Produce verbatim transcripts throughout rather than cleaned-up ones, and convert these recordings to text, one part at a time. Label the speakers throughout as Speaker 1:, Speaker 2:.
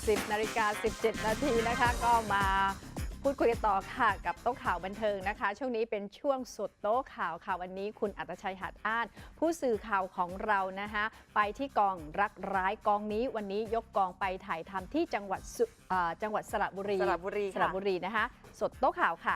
Speaker 1: สิบนาฬิกาสิบเจ็ดนาทีนะคะก็มาพูดคุยกันต่อค่ะกับโต๊ะข่าวบันเทิงนะคะช่วงนี้เป็นช่วงสดโต๊ะข่าวค่ะวันนี้คุณอัตชัย หาดอ้านผู้สื่อข่าวของเรานะคะไปที่กองรักร้ายกองนี้วันนี้ยกกองไปถ่ายทำที่จังหวัดจังหวัดสระบุรี
Speaker 2: สระบุรี
Speaker 1: สระบุรีนะคะสดโต๊ะข่าวค่ะ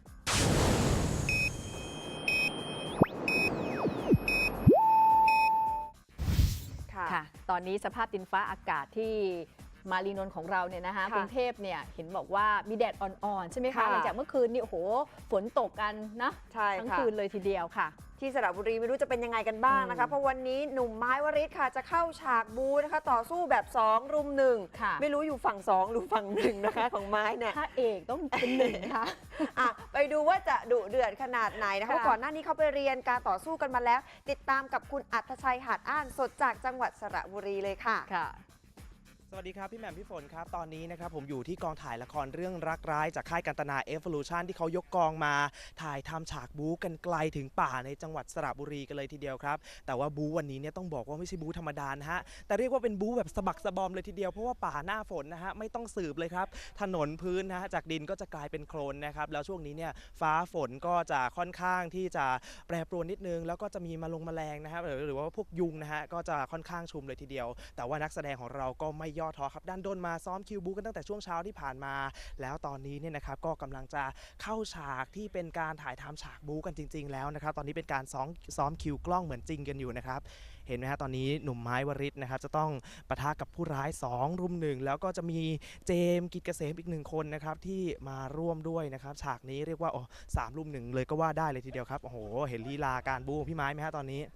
Speaker 1: ค่ะตอนนี้สภาพดินฟ้าอากาศที่มารีนนท์ของเราเนี่ยนะคะกรุงเทพเนี่ยเห็นบอกว่ามีแดดอ่อนๆใช่ไหมคะหลังจากเมื่อคืนนี่โอ้โหฝนตกกันนะทั้งคืนเลยทีเดียวค่ะ
Speaker 2: ที่สระบุรีไม่รู้จะเป็นยังไงกันบ้างนะคะเพราะวันนี้หนุ่มไม้วริศค่ะจะเข้าฉากบูนะคะต่อสู้แบบสองรุมหนึ่งไม่รู้อยู่ฝั่งสองหรือฝั่งหนึ่งนะคะของไม้เนี่ย
Speaker 1: ถ้าเอกต้องเป็นหนึ่งค่ะ
Speaker 2: อ่ะไปดูว่าจะดุเดือดขนาดไหนนะคะก่อนหน้านี้เขาไปเรียนการต่อสู้กันมาแล้วติดตามกับคุณอัธชัย หาดอ้านสดจากจังหวัดสระบุรีเลยค่ะ
Speaker 3: สวัสดีครับพี่แหม่มพี่ฝนครับตอนนี้นะครับผมอยู่ที่กองถ่ายละครเรื่องรักร้ายจากค่ายกันตนา Evolution ที่เขายกกองมาถ่ายทำฉากบู๊กันไกลถึงป่าในจังหวัดสระบุรีกันเลยทีเดียวครับแต่ว่าบู๊วันนี้เนี่ยต้องบอกว่าไม่ใช่บู๊ธรรมดานะฮะแต่เรียกว่าเป็นบู๊แบบสะบักสะบอมเลยทีเดียวเพราะว่าป่าหน้าฝนนะฮะไม่ต้องสืบเลยครับถนนพื้นนะฮะจากดินก็จะกลายเป็นโคลนนะครับแล้วช่วงนี้เนี่ยฟ้าฝนก็จะค่อนข้างที่จะแปรปรวนนิดนึงแล้วก็จะมีมาลงแมลงนะครับหรือว่าพวกยุงนะฮะก็จะค่อนข้างชุมเลยทีเดียวแต่ว่านักแสดงของเราก็ไม่ย่อท้อครับด้านด้นมาซ้อมคิวบูกันตั้งแต่ช่วงเช้าที่ผ่านมาแล้วตอนนี้เนี่ยนะครับก็กำลังจะเข้าฉากที่เป็นการถ่ายทำฉากบูกันจริงๆแล้วนะครับตอนนี้เป็นการซ้อมซ้อมคิวกล้องเหมือนจริงกันอยู่นะครับเห็นไหมฮะตอนนี้หนุ่มไม้วริศนะครับจะต้องปะทะกับผู้ร้ายสองรุมหนึ่งแล้วก็จะมีเจมส์กิจเกษมอีกหนึ่งคนนะครับที่มาร่วมด้วยนะครับฉากนี้เรียกว่าโอ้สามรุมหนึ่งเลยก็ว่าได้เลยทีเดียวครับโอ้โหเห็นลีลาการบูของพี่ไม้ไหมฮะตอนนี้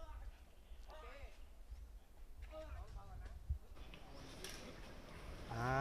Speaker 3: อ่า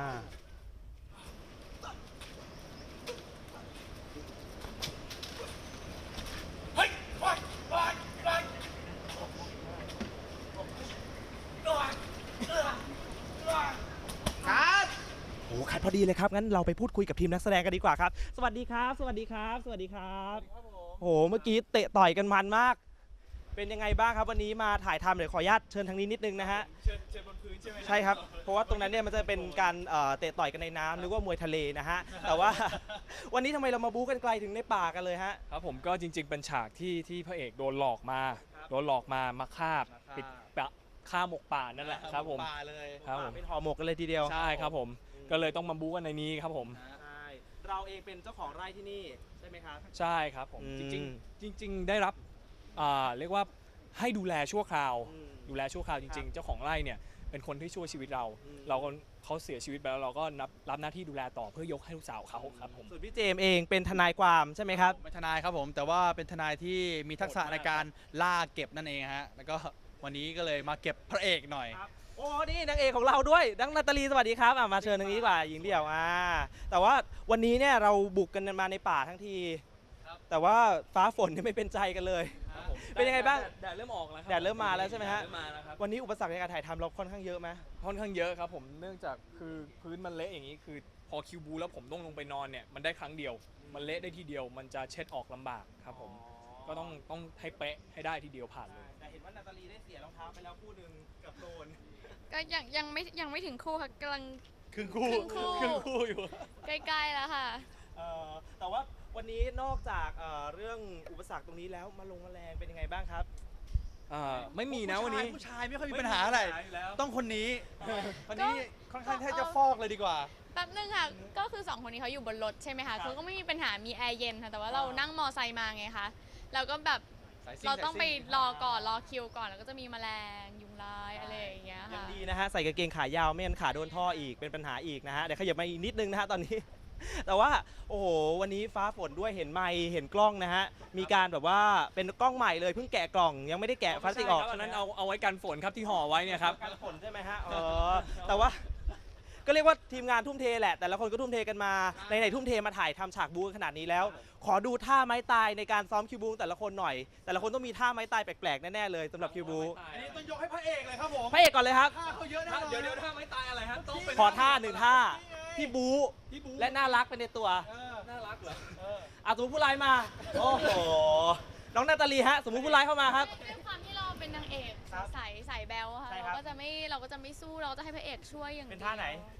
Speaker 3: โอ้คัดพอดีเลยครับงั้นเราไปพูดคุยกับทีมนักแสดงกันดีกว่าครับสวัสดีครับสวัสดีครับสวัสดีครับโอ้โหเมื่อกี้เตะต่อยกันมันมากเป็นยังไงบ้างครับวันนี้มาถ่ายทำเดี๋ยวขออนุญาตเชิญทางนี้นิดนึงนะฮะ
Speaker 4: เชิญเชิญบนพื้นใช่ไหม
Speaker 3: ใช่ครับเพราะว่าตรงนั้นเนี่ยมันจะเป็นการเตะต่อยกันในน้ำหรือว่ามวยทะเลนะฮะแต่ว่าวันนี้ทำไมเรามาบู๊กันไกลถึงในป่ากันเลยฮะ
Speaker 4: ครับผมก็จริงๆเป็นฉากที่ที่พระเอกโดนหลอกมาโดนหลอกมามาฆ่าปิดปะฆ่าหมกป่านั่นแหละครับผม
Speaker 3: ป่าเลย
Speaker 4: ครับผม
Speaker 3: เป็นห่อหมกกันเลยทีเดียว
Speaker 4: ใช่ครับผมก็เลยต้องมาบู๊กันในนี้ครับผม
Speaker 3: ใช่เราเองเป็นเจ้าของไร่ที่นี่ใช่ไหมครับ
Speaker 4: ใช่ครับผมจริงๆจริงๆได้รับเรียกว่าให้ดูแลชั่วคราวดูแลชั่วคราวจริงๆเจ้าของไร่เนี่ยเป็นคนที่ช่วยชีวิตเราเราก็เขาเสียชีวิตไปแล้วเราก็รับรับหน้าที่ดูแลต่อเพื่อยกให้ลูกสาวเขาครับผม
Speaker 3: ส่วนพี่เจมเองเป็นทนายความใช่ไหมครับ
Speaker 5: เป็นทนายครับผมแต่ว่าเป็นทนายที่มีทักษะในการล่าเก็บนั่นเองฮะแล้วก็วันนี้ก็เลยมาเก็บพระเอกหน่อย
Speaker 3: โอ้นี่นางเอกของเราด้วยดังนาตาลีสวัสดีครับมาเชิญทางนี้ดีกว่าหญิงเดี่ยวอ่าแต่ว่าวันนี้เนี่ยเราบุกกันมาในป่าทั้งทีแต่ว่าฟ้าฝนเนี่ยไม่เป็นใจกันเลยเป็นยังไงบ้าง
Speaker 4: แดดเริ่มออกแล้ว
Speaker 3: แดดเริ่มมาแล้วใช่ไหมฮะวันนี้อุปสรรคในการถ่ายทำเราค่อนข้างเยอะไหม
Speaker 4: ค่อนข้างเยอะครับผมเนื่องจากคือพื้นมันเละอย่างนี้คือพอคิวบูแล้วผมต้องลงไปนอนเนี่ยมันได้ครั้งเดียวมันเละได้ทีเดียวมันจะเช็ดออกลำบากครับผมก็ต้องต้องให้เป๊ะให้ได้ทีเดียวผ่านเลย
Speaker 3: แต่เห็นว่านาตาลีได้เสียรองเท้าไปแล้วคู่หนึ่งกับโดน
Speaker 6: ก็ยังยังไม่ยังไม่ถึงคู่ค่ะกำลัง
Speaker 3: ครึ่งคู่
Speaker 6: ครึ่ง
Speaker 3: คู่อยู่
Speaker 6: ใกล้ๆแล้วค่ะ
Speaker 3: แต่ว่าวันนี้นอกจากเรื่องอุปสรรคตรงนี้แล้วมาลงแมลงเป็นยังไงบ้างครับ
Speaker 4: ไม่มีนะวันนี้
Speaker 5: ผู้ชายไม่ค่อยมีปัญหาอะไรต้องคนนี้คนนี้ค่อนข้างแทบจะฟอกเลยดีกว่า
Speaker 6: แป๊บนึงค่ะก็คือสองคนนี้เขาอยู่บนรถใช่ไหมคะเขาก็ไม่มีปัญหามีแอร์เย็นค่ะแต่ว่าเรานั่งมอไซค์มาไงคะเราก็แบบเราต้องไปรอก่อนรอคิวก่อนแล้วก็จะมีแมลงยุงลายอะไรอย่างเงี้ยค่ะ
Speaker 3: ยังดีนะฮะใส่กางเกงขายาวไม่งั้นขาโดนท่ออีกเป็นปัญหาอีกนะฮะเดี๋ยวขยับมาอีกนิดนึงนะฮะตอนนี้แต่ว่าโอ้โหวันนี้ฟ้าฝนด้วยเห็นไมค์เห็นกล้องนะฮะมีการแบบว่าเป็นกล้องใหม่เลยเพิ่งแกะกล่องยังไม่ได้แกะพลาสติกออก
Speaker 4: ฉะนั้นเอาเอาไว้กันฝนครับที่ห่อไว้เนี่ยครับ
Speaker 3: กันฝนใช่ไหมฮะเออแต่ว่าก็เรียกว่าทีมงานทุ่มเทแหละแต่ละคนก็ทุ่มเทกันมาในไหนทุ่มเทมาถ่ายทำฉากบูขนาดนี้แล้วขอดูท่าไม้ตายในการซ้อมคิวบูแต่ละคนหน่อยแต่ละคนต้องมีท่าไม้ตายแปลกๆแน่ๆเลยสำหรับคิวบู
Speaker 5: อันนี้ต้องยกให้พระเอกเลยครับผม
Speaker 3: พระเอกก่อนเลยครับ
Speaker 5: ท่าเขาเยอะนะ
Speaker 4: เดี๋ยวเดี๋ยวท่าไม้ตายอะไรฮะต้องเป็น
Speaker 3: ขอท่าหนึ่งท่าที่บูและน่ารักเป็นในตัว
Speaker 4: น่ารักเหรอ
Speaker 3: อ่ะสมมติผู้ร้ายมาโอ้โหน้องนาตาลีฮะสมมติผู้ร้ายเข้ามาครับ
Speaker 6: ด้วยความที่เราเป็นนางเอกใสใสแบลค่ะเราก็จะไม่เราก็จะไม่สู้เราก็จะให้พระเอกช่วยอย่าง
Speaker 3: เป็นท่าไหน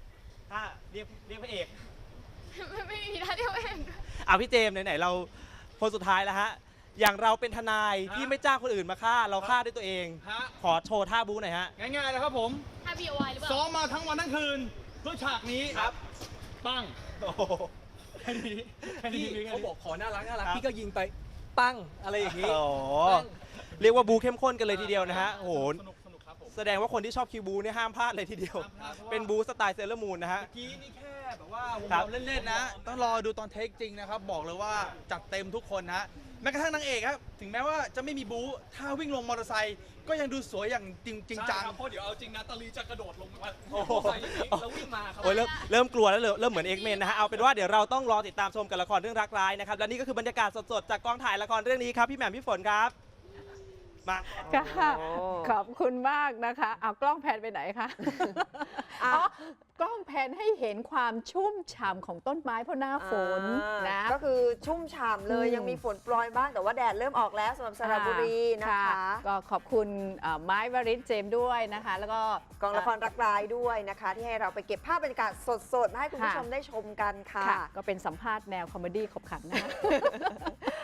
Speaker 3: ถ้าเรียกเรียกพระเอก
Speaker 6: ไม่ไม่มีท่าเดียวเอง
Speaker 3: เอาพี่เจมส์ไหนๆเราคนสุดท้ายแล้วฮะอย่างเราเป็นทนายที่ไม่จ้างคนอื่นมาฆ่าเราฆ่าด้วยตัวเอง
Speaker 5: ฮะ
Speaker 3: ขอโชว์ท่าบู๊หน่อยฮะ
Speaker 5: ง่ายๆนะครับผม
Speaker 6: ท่า บี โอ วาย หรือเปล่า
Speaker 5: ซ้อมมาทั้งวันทั้งคืนเพื่อฉากนี้
Speaker 3: ครับ
Speaker 5: ปั้ง
Speaker 3: โอ้โห
Speaker 5: แค่นี้แค่
Speaker 4: พี่
Speaker 5: นี้
Speaker 4: เขาบอกขอน่ารักน่ารัก
Speaker 3: ครับ
Speaker 4: พี่ก็ยิงไปปั้งอะไรอย่างนี้
Speaker 3: โอ้โห
Speaker 4: ปั้ง
Speaker 3: เรียกว่าบูเข้มข้นกันเลยทีเดียวนะฮะโอ้โห
Speaker 5: สนุกสนุกครับผม
Speaker 3: แสดงว่าคนที่ชอบคิวบูเนี่ยห้ามพลาดเลยทีเดียว
Speaker 5: ห้ามพลาดเพราะว่า
Speaker 3: เป็นบูสไตล์เซเลอร์มูนนะฮะ
Speaker 5: เมื่อกี้นี่แค่แบบว่าวง
Speaker 3: ครับ
Speaker 5: เราเล่นๆนะ ต้องรอดูตอนเทคจริงนะครับ บอกเลยว่าจัดเต็มทุกคนนะแม้กระทั่งนางเอกครับถึงแม้ว่าจะไม่มีบู๊ถ้าวิ่งลงมอเตอร์ไซค์ก็ยังดูสวยอย่างจริงจริงจัง
Speaker 4: ใช่ครับเพราะเดี๋ยวเอาจริงนะตาลีจะกระโดดลงมา
Speaker 3: โอ้โห
Speaker 4: ใส่อย่างนี้แล้ววิ่งมาครับ
Speaker 3: โอ้ยเริ่มเริ่มกลัวแล้วเริ่มเริ่มเหมือนเอ็กเมนนะฮะเอาเป็นว่าเดี๋ยวเราต้องรอติดตามชมกับละครเรื่องรักร้ายนะครับและนี่ก็คือบรรยากาศสดๆจากกองถ่ายละครเรื่องนี้ครับพี่แหม่มพี่ฝนครับมา
Speaker 1: ค่ะ
Speaker 2: โอ้
Speaker 1: ขอบคุณมากนะคะเอากล้องแพนไปไหนคะ
Speaker 2: อ่ะ
Speaker 1: อ๋อกล้องแพนให้เห็นความชุ่มฉ่ำของต้นไม้เพราะหน้าฝน
Speaker 2: อ่า
Speaker 1: นะ
Speaker 2: ก็คือชุ่มฉ่ำเลย
Speaker 1: อืม
Speaker 2: ยังมีฝนโปรยบ้างแต่ว่าแดดเริ่มออกแล้วสำหรับสระบุรีนะคะ
Speaker 1: ก็ขอบคุณเอ่อไม้วริศเจมส์ด้วยนะคะ แล้วก็
Speaker 2: กองละครรักร้ายด้วยนะคะ ที่ให้เราไปเก็บภาพบรรยากาศสดๆมาให้คุณผู้ชมได้ชมกันค่ะ
Speaker 1: ค่ะ ก็เป็นสัมภาษณ์แนวคอมเมดี้ขบขันนะคะ